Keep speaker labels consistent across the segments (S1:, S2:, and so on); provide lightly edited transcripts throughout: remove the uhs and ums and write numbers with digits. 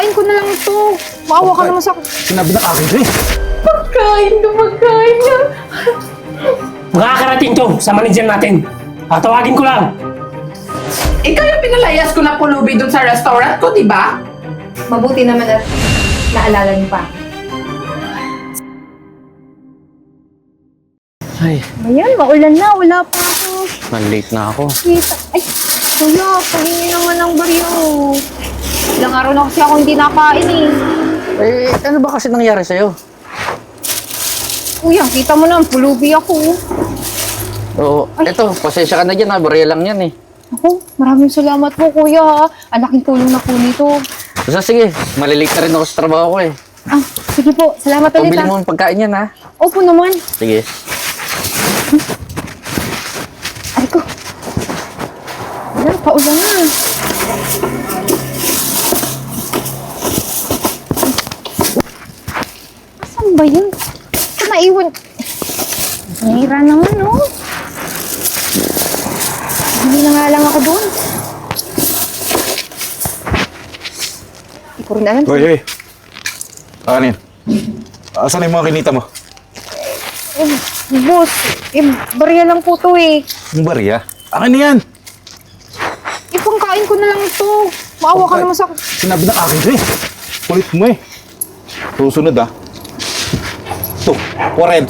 S1: Pagkain ko na lang ito. Maawa ka naman sa...
S2: Sinabi ng akin to eh.
S1: Pagkain niya.
S3: Makakarating to sa manager natin. Tawagin ko lang.
S4: Ikaw yung pinalayas ko na pulubi dun sa restaurant ko, di ba?
S1: Mabuti naman at naalala niyo pa.
S2: Ay,
S1: Ayan, maulan na. Wala pa ako.
S2: malate na ako.
S1: Kita. Ay, kuya, pahingi naman ng baryo. Ilang araw na kasi ako hindi nakain eh.
S2: Eh, ano ba kasi nangyari sa'yo?
S1: Kuya, kita mo naman, pulubi ako.
S2: Oo, eto, pasensya ka na dyan ha. Barya lang yan eh.
S1: Ako, maraming salamat po kuya ha. Ang laking tulong na po nito.
S2: Basta sige, malilate na rin ako sa trabaho ko eh.
S1: Ah, sige po. Salamat ulit
S2: Pabili
S1: ha.
S2: mo ng pagkain yan ha.
S1: Opo naman.
S2: Sige.
S1: Ay ko. Wala, paulan na. Asan ba yun? Ito naiwan. Nahira naman, no? Hindi na nga lang ako doon. Hindi ko rin alam.
S5: Hoy. Kanin. Asan yung mga kinita mo?
S1: Eh, boss, barya lang po to eh.
S5: Yung barya? Akin na yan!
S1: Ipangkain ko na lang ito. Maawa ka naman sa...
S5: Sinabi ng akin to eh. Kulit mo eh. Susunod ah. Ito, 40.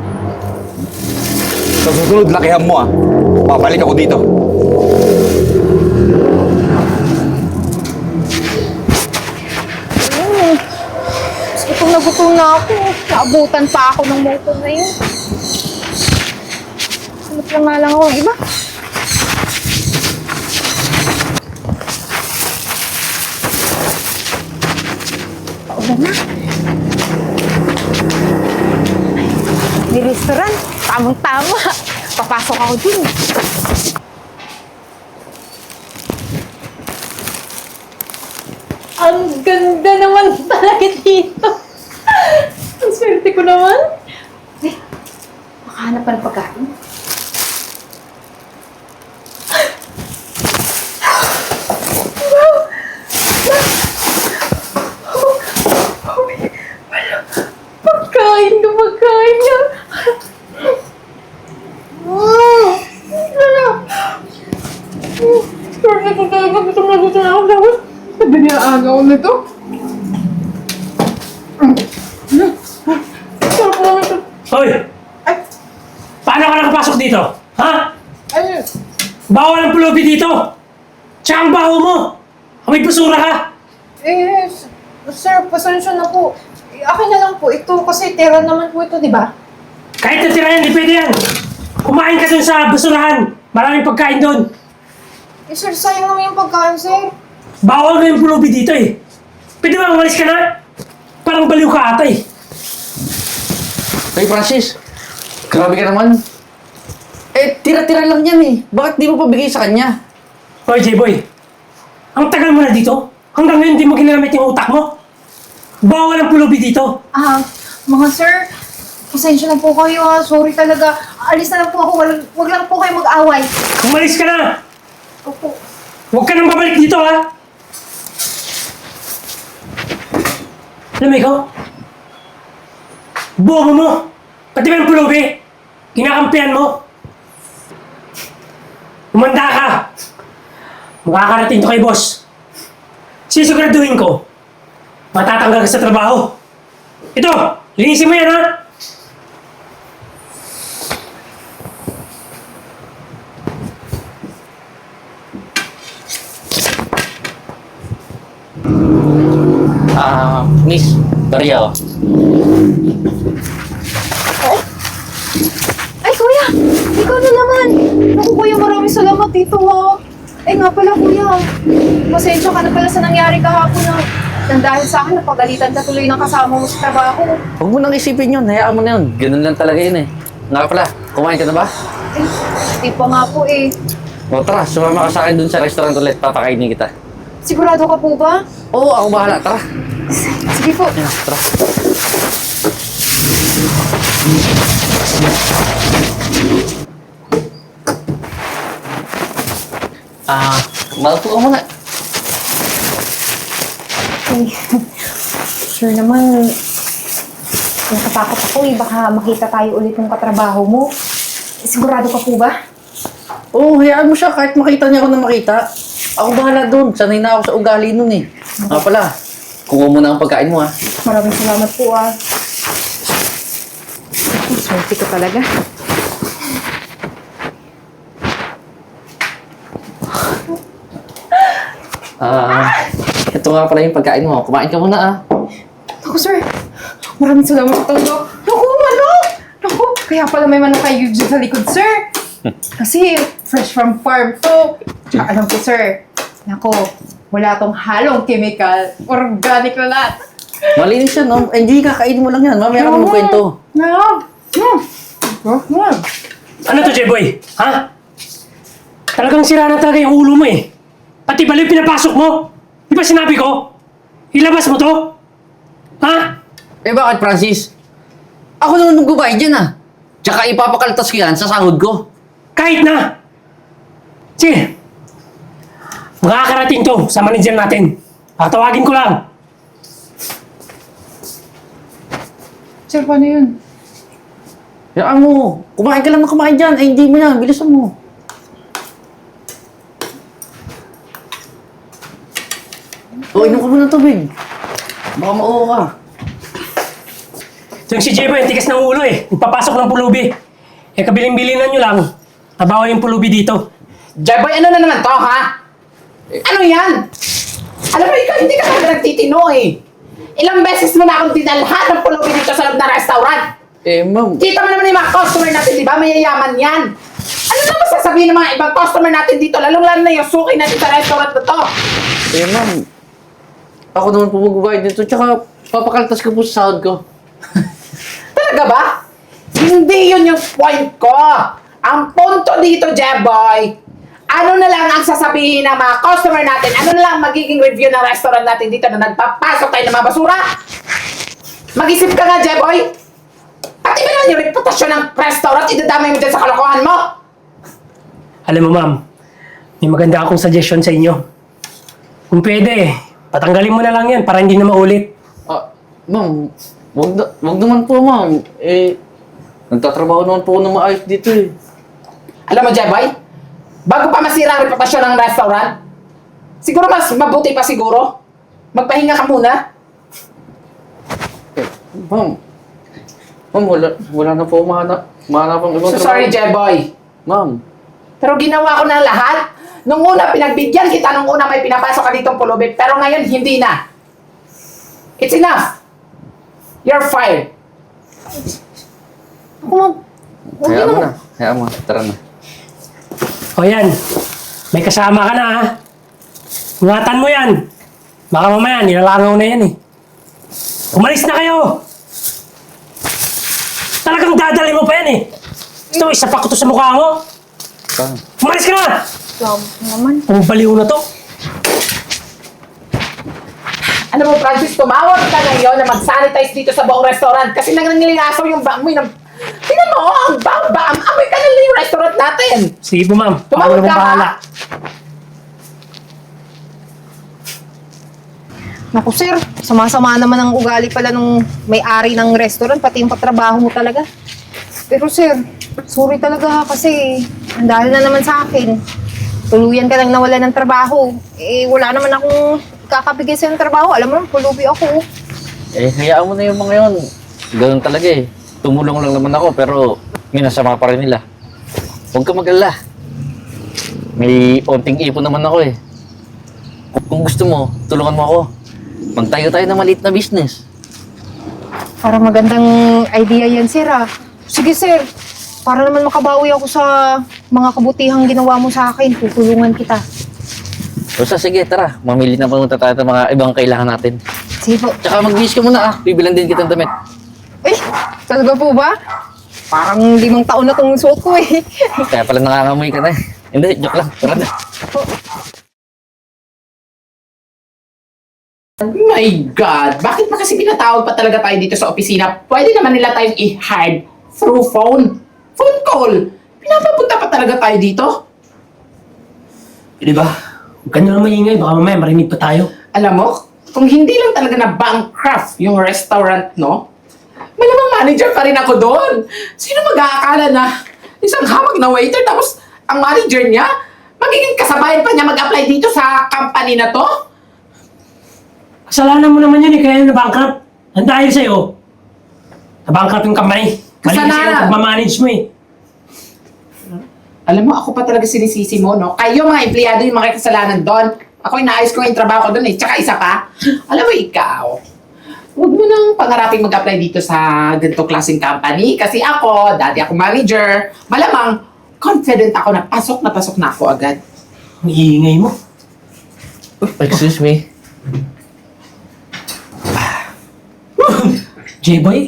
S5: Sa susunod, lakihan mo ah. Babalik ako dito.
S1: Gutom na gutom na ako. Naabutan pa ako ng motor na yun. Sunod lang nga lang ako ng iba. Paulan na. May restaurant. Tamang-tama. Papasok ako dun. Ang ganda naman talaga dito. Ang swerte ko naman. Eh, makahanap pa ng pagkain. Pagkain niya. Swerte ko talaga. Gutom na ako.
S4: Sabi niya agaw nito.
S1: Sarap naman ito.
S3: Hoy! Paano ka nakapasok dito? Ha?
S4: Ay,
S3: Bawal ang pulubi dito! Tsaka ang baho mo! May basura ka!
S1: Sir, pasensya na po. Akin na lang po ito kasi tera naman po ito, di ba?
S3: Kahit natira yan, di pwede yan! Kumain ka dun sa basurahan! Maraming pagkain dun!
S1: Sir, sayang naman yung pagkain, sir.
S3: Bawal na yung pulubi dito eh! Pwede ba umalis ka na? Parang baliw ka ata eh!
S2: Hey Francis, grabe ka naman. Eh, tira-tira lang yan eh. Bakit di mo pabigay sa kanya?
S3: Hoy, J-Boy! Ang tagal mo na dito? Hanggang ngayon di mo ginamit yung utak mo? Bawal ang pulubi dito!
S1: Mga sir, pasensya na po kayo ha. Sorry talaga. Alis na lang po ako. Wag lang po kayo mag-away.
S3: Umalis ka na!
S1: Opo.
S3: Huwag ka nang babalik dito ha! Alam mo ikaw? Bobo mo! Pati ba yung pulubi? Kinakampihan mo? Umanda ka! Makakarating to kay boss. Sisiguraduhin ko, matatanggal ka sa trabaho. Ito! Linisin mo yan ha!
S2: Miss, barya oh.
S1: Ay, kuya! Ikaw na naman! Naku, kuya, maraming salamat dito ha. Eh nga pala, kuya. Pasensya ka na pala sa nangyari kahapon na nang dahil sa akin, napagalitan ka tuloy ng kasama mo sa trabaho.
S2: Huwag mo nang isipin yun. Hayaan mo na yun. Ganun lang talaga yun eh. Nga pala, kumain ka na ba?
S1: Eh, di pa nga po eh.
S2: O tara, sumama ka sa akin dun sa restaurant ulit. Papakainin kita.
S1: Sigurado ka po ba?
S2: Oo, ako bahala. Tara.
S1: Sige po.
S2: Ayan, tara. Maupo ka muna.
S1: Ay, sure naman, natatakot ako eh. Baka makita tayo ulit ng katrabaho mo. Sigurado ka po ba?
S2: Oo, hayaan mo siya kahit makita niya ako na makita. Ako bahala doon. Sanay na ako sa ugali nun eh. Nga pala, kuha mo na ang pagkain mo ha.
S1: Maraming salamat po ah. Swerte ka talaga.
S2: Ito nga pala yung pagkain mo. Kumain ka muna ah.
S1: Naku, sir. Maraming salamat sa tango. Naku, manok! Naku, kaya pala may manok kayo dyan sa likod, sir. Kasi fresh from farm to. Tsaka alam ko, sir. Naku, wala tong halong chemical. Organic na lahat.
S2: Malinis siya, no? Hindi, kakainin mo lang yan. Mamaya ka magkwento.
S3: Ano to, J-Boy? Ha? Talagang sira na talaga yung ulo mo eh. Pati baliw pinapasok mo. Di ba sinabi ko? Ilabas mo to? Ha?
S2: Eh bakit, Francis? Ako naman magbabayad dyan ah. Tsaka ipapakaltas ko yan sa sahod ko.
S3: Kahit na! Sige. Makakarating to sa manager natin. Tatawagin ko lang.
S1: Sir, paano yun?
S2: Hayaan mo. Kumain ka lang na kumain dyan. Ay, hindi mo yan. Bilisan mo. O, inom ka muna ng tubig. Baka mauho ka.
S3: Yung si J-Boy, ang tigas ng ulo eh. Nagpapasok ng pulubi. Eh, kabiling-bilinan nyo lang. Nabawa yung pulubi dito.
S4: Jeboy, ano na naman to, ha? Ano yan? Alam mo, ikaw hindi ka talaga nagtitino eh. Ilang beses mo na akong dinalhan ng pulubi dito sa loob ng restaurant.
S2: Eh, ma'am.
S4: Kita mo naman yung mga customer natin, di ba? Mayayaman yan. Ano naman sasabihin ng mga ibang customer natin dito? Lalong-lalo na yung suki natin sa restaurant na to.
S2: Eh, ma'am. Ako naman po magbabayad dito. Tsaka, papakaltas ko po sa sahod ko.
S4: Talaga ba? Hindi yun yung point ko. Ang punto dito, Jeboy, ano na lang ang sasabihin ng mga customer natin? Ano na lang magiging review ng restaurant natin dito na nagpapasok tayo ng mga basura? Mag-isip ka nga, Jeboy. Pati ba naman yung reputasyon ng restaurant, idadamay mo dyan sa kalokohan mo?
S3: Alam mo, ma'am, may maganda akong suggestion sa inyo. Kung pwede, patanggalin mo na lang yan para hindi na maulit.
S2: Ah, ma'am. Wag naman po, ma'am. Eh, nagtatrabaho naman po ako ng maayos dito eh.
S4: Alam mo, Jeboy, bago pa masira ang reputasyon ng restaurant, siguro mas mabuti pa siguro. Magpahinga ka muna.
S2: Eh, ma'am. Ma'am, wala na po mahanap ang ibang
S4: So sorry, Jeboy.
S2: Ma'am.
S4: Pero ginawa ko na lahat. Nung una, pinagbigyan kita. Nung una, may pinapasok ka ditong pulubi. Pero ngayon, hindi na. It's enough. You're fired.
S1: Ako, ma'am. Huwag
S2: Hayaan
S1: yun
S2: mo
S1: ako.
S2: na. Hayaan mo. Tara na.
S3: O yan, may kasama ka na ha. Ingatan mo yan. Baka mamaya, nilalangaw na yan eh. Umalis na kayo! Talagang dadali mo pa yan eh. Gusto mo, isapak ko to sa mukha mo.
S2: Tara.
S3: Umalis ka na!
S1: Salamat naman.
S3: Ang baliw na to.
S4: Ano mo, Francis, tumawag ka ngayon na mag-sanitize dito sa buong restaurant kasi nangangilingasaw yung baamoy ng... Tingnan mo, ang amoy ka na yung restaurant natin.
S3: Sige po ma'am, ako
S4: Tumawag
S3: naman
S4: ka, ha?
S3: bahala.
S1: Naku, sir. Sama-sama naman ang ugali pala nung may-ari ng restaurant, pati yung katrabaho mo talaga. Pero sir, sorry talaga kasi ang dahil na naman sa akin. Tuluyan ka nang nawala ng trabaho. Eh, wala naman akong kakabigay sa trabaho. Alam mo naman, pulubi ako.
S2: Eh, hayaan mo na yung mga yun. Ganun talaga eh. Tumulong lang naman ako, pero minasama pa rin nila. Huwag ka mag-alala. May onting ipon naman ako eh. Kung gusto mo, tulungan mo ako. Magtayo tayo ng maliit na business.
S1: Para magandang idea yan, sir ah. Sige, sir. Para naman makabawi ako sa mga kabutihang ginawa mo sa akin, tutulungan kita.
S2: Basta sige, tara. Mamili na panunta tayo ng mga ibang kailangan natin.
S1: Sige po.
S2: Tsaka mag-wish ka muna ah. Bibilan din kitang damit.
S1: Eh, talaga po ba? Parang 5 taon na tong suot ko eh.
S2: Kaya pala nangangamoy ka na eh. Hindi, joke lang. Tara na.
S4: My God! Bakit pa kasi pinatawag pa talaga tayo dito sa opisina? Pwede naman nila tayong i-hide through phone. Phone call! Pinapapunta pa talaga tayo dito?
S3: Di ba? Huwag ka na lang maingay, baka mamaya marinig pa tayo.
S4: Alam mo, kung hindi lang talaga na bankrupt yung restaurant, no? Malamang manager pa rin ako doon. Sino mag-aakala na isang hamag na waiter tapos ang manager niya, magiging kasabayan pa niya mag-apply dito sa company na to?
S3: Kasalanan mo naman yun eh, kaya na-bankrupt. Ang dahil sa'yo. Na-bankrupt yung company. Mali kasi
S4: Kasalanan.
S3: yung pagmamanage mo eh.
S4: Alam mo, ako pa talaga sinisisi mo, no? Kayo mga empleyado yung mga kasalanan doon. Ako inaayos ko yung trabaho ko doon eh. Tsaka isa pa, alam mo ikaw, huwag mo nang pangaraping mag-apply dito sa ganito klaseng company. Kasi ako, dati ako manager, malamang confident ako na pasok na ako agad.
S3: Ang iingay mo.
S2: Excuse me.
S3: J-boy?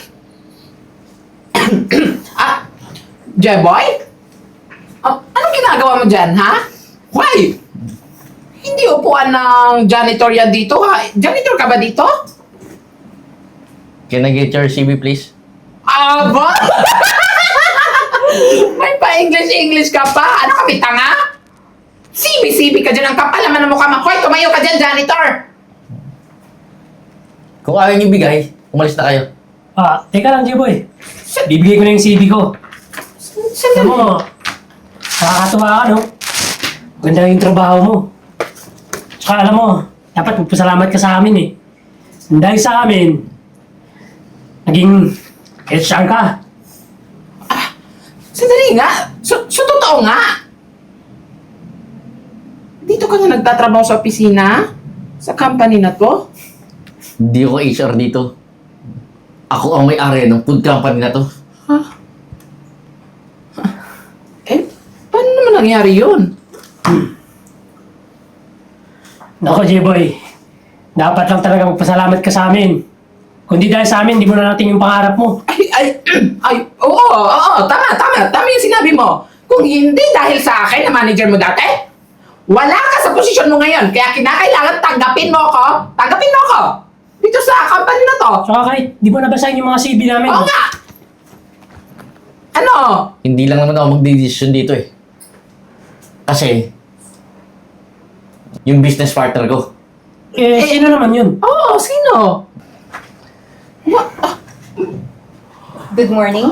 S4: Ah, Jeboy? Anong ginagawa mo dyan, ha? Why? Hindi upuan ng janitor yan dito, ha? Janitor ka ba dito?
S2: Can I get your CV, please?
S4: Aba! May pa-English ka pa? Ano kami, tanga? Sibi-sibi ka dyan, ang kapal naman ng mukha mo. Hoy, tumayo ka dyan, janitor!
S2: Kung ayaw niyo bigay, umalis na kayo.
S3: Teka lang, J-boy. Bibigay ko na yung CV ko. Alam mo, nakakatuwa ka, no? Maganda yung trabaho mo. Tsaka alam mo, dapat magpasalamat ka sa amin eh. Dahil sa amin, naging HR ka.
S4: Sandali nga. So totoo nga. Dito ka na nagtatrabaho sa opisina? Sa company na to?
S2: Hindi ako HR dito. Ako ang may-ari ng food company na to.
S4: Eh, paano naman nangyari yun?
S3: Nako, J-boy. Dapat lang talaga magpasalamat ka sa amin. Kundi dahil sa amin, di mo na natin yung pangarap mo.
S4: Oo, tama yung sinabi mo. Kung hindi dahil sa akin na manager mo dati, wala ka sa posisyon mo ngayon. Kaya kinakailangan tanggapin mo ako. Tanggapin mo ako. Dito sa company na to.
S3: Tsaka kahit di mo nabasahin yung mga CV namin.
S4: Oo nga. Ano?
S2: Hindi lang naman ako magdidesisyon dito eh. Kasi, yung business partner ko.
S3: Sino naman yun?
S4: Oo, sino?
S1: Good morning.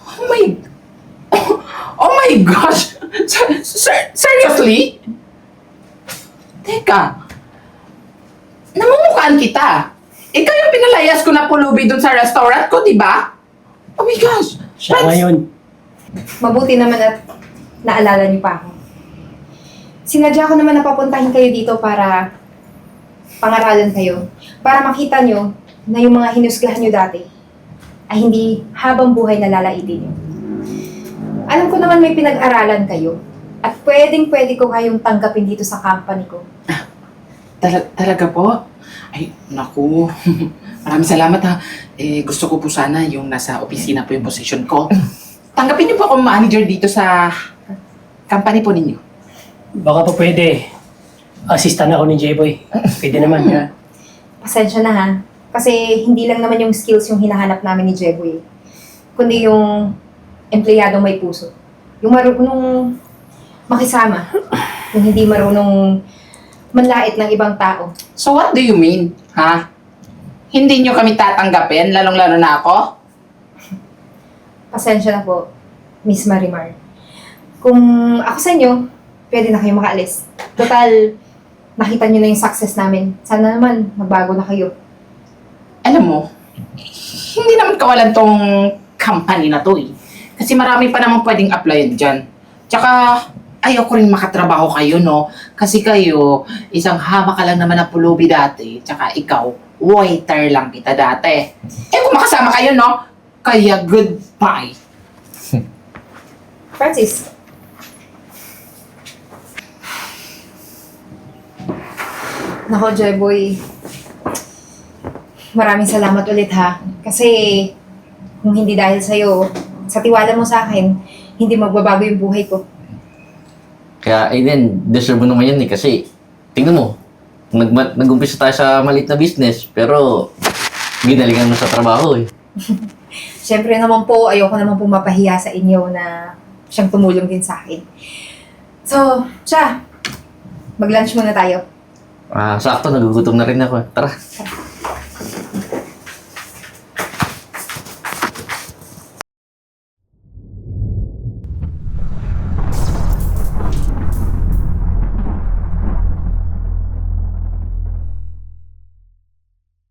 S4: Oh my gosh! Seriously? Teka. Namumukhaan kita. Ikaw yung pinalayas ko na pulubi dun sa restaurant ko, di ba? Oh my gosh!
S3: Siya ngayon.
S1: Mabuti naman at naalala niyo pa ako. Sinadya ko naman na papuntahin kayo dito para pangaralan kayo. Para makita nyo na yung mga hinusgahan nyo dati ay hindi habang buhay na lalaitin nyo. Alam ko naman may pinag-aralan kayo at pwedeng-pwede ko kayong tanggapin dito sa company ko.
S4: Talaga po? Ay, naku. Maraming salamat ha. Gusto ko po sana yung nasa opisina po yung position ko. Tanggapin niyo po akong manager dito sa company po ninyo.
S3: Baka pa pwede. Assistant ako ni J-boy. Pwede naman. Ha?
S1: Pasensya na ha. Kasi hindi lang naman yung skills yung hinahanap namin ni Jeboy. Kundi yung empleyadong may puso. Yung marunong makisama. Yung hindi marunong manlait ng ibang tao.
S4: So what do you mean, ha? Hindi niyo kami tatanggapin, lalong-lalo na ako?
S1: Pasensya na po, Miss Marimar. Kung ako sa inyo, pwede na kayo makaalis. Total, nakita niyo na yung success namin. Sana naman, magbago na kayo.
S4: Alam mo, hindi naman kawalan tong company na to eh. Kasi marami pa naman pwedeng applyan dyan. Tsaka, ayaw ko rin makatrabaho kayo, no? Kasi kayo, isang hama ka lang naman na pulubi dati. Tsaka ikaw, waiter lang kita dati. Kung makasama kayo, no? Kaya goodbye.
S1: Francis. Nako, Jeboy. Maraming salamat ulit ha. Kasi kung hindi dahil sa'yo, sa tiwala mo sa akin, hindi magbabago yung buhay ko.
S2: Kaya, Aiden, deserve mo naman yan eh. Kasi, tingnan mo, nag-umpisa tayo sa maliit na business, pero ginalingan mo sa trabaho eh.
S1: Siyempre naman po, ayoko naman po mapahiya sa inyo na siyang tumulong din sa akin. So, siya, mag-lunch muna tayo.
S2: Sakto, nagugutom na rin ako. Tara.